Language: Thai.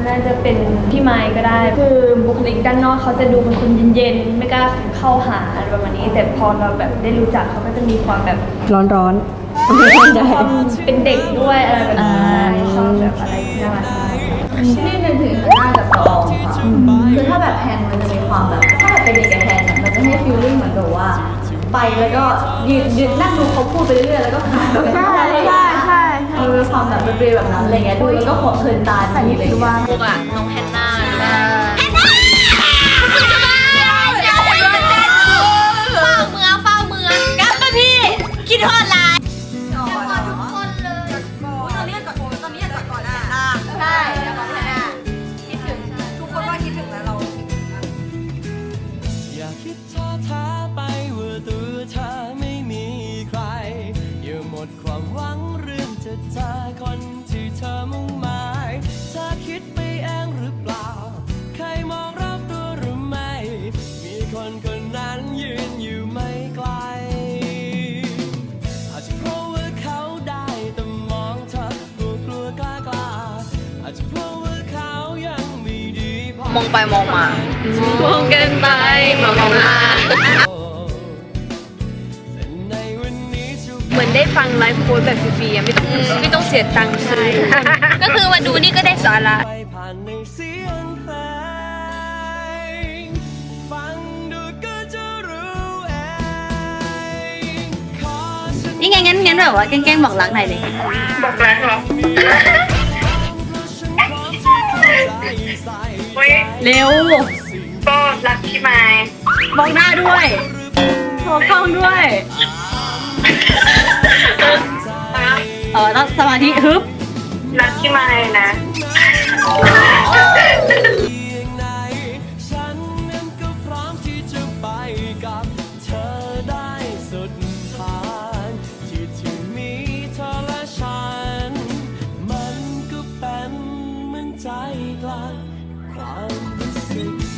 น่าจะเป็นพี่ไม้ก็ได้คือบุคลิกด้านนอกเขาจะดูเป็นคนเย็นๆไม่กล้าเข้าหาอะไรประมาณนี้แต่พอเราแบบได้รู้จักเขาก็จะมีความแบบร้อนความเป็นเด็กด้วยอะไรแบบนี้ชอบแบบอะไรน่ารักนี่นึกถึงหน้ากับตองค่ะคือถ้าแบบแพนมันจะมีความแบบถ้าแบบเป็นเด็กกับแพนเนี่ยมันจะให้ฟีลลิ่งเหมือนแบบว่าไปแล้วก็ยืนนั่งดูเขาพูดไปเรื่อยๆแล้วก็ขำไปเรื่อยๆมีความแบบเปรี้ยวแบบนั้นอะไรเงี้ยดูแล้วก็ขบเพลินตาดีเลยว่าพวกอะน้องแฮนนาเฝ้าเมืองกลับมาพี่คิดฮอดไลน์ทุกคนเลยตอนนี้อยากกอดใช่อยากกอดแฮนนาคิดถึงทุกคนว่าคิดถึงนะเราคิดถึงนะอย่าคิดท้อท้าไปว่าตัวเธอไม่มีใครอย่าหมดความหวังเรื่องจะเจอคนที่เธอมุ่งหมายเธอคิดไปเองหรือเปล่าใครมองรอบตัวหรือไม่มีคนคนนั้นยืนอยู่ไม่ไกลอาจจะเพราะว่าเขาได้แต่มองเธอกลัวกล้าอาจจะเพราะว่าเขายังไม่ดีพอมองไปมองมามองกันไปมองมาเหมือนได้ฟังไลฟ์โค้ดแบบฟรีๆไม่ต้องเสียตังค์ซื้อก็คือมาดูนี่ก็ได้สาระไปผ่านในเสียงเพลงฟังดูก็จะรู้เองขอฉันนี่ไงงั้นแบบว่าแกล้งบอกรักหน่อยเลยบอกรักเหรอเฮ้ยเร็วก็รักพี่ไม้บอกหน้าด้วยโทรเข้าด้วยต้องสมาธิฮึบรักพี่ไม้นะไหนฉันนั้นก็พร้อมที่จะไปกับเธอได้สุดทางที่มีเธอและฉันมันก็เป็นเหมือนใจกลางความรู้สึก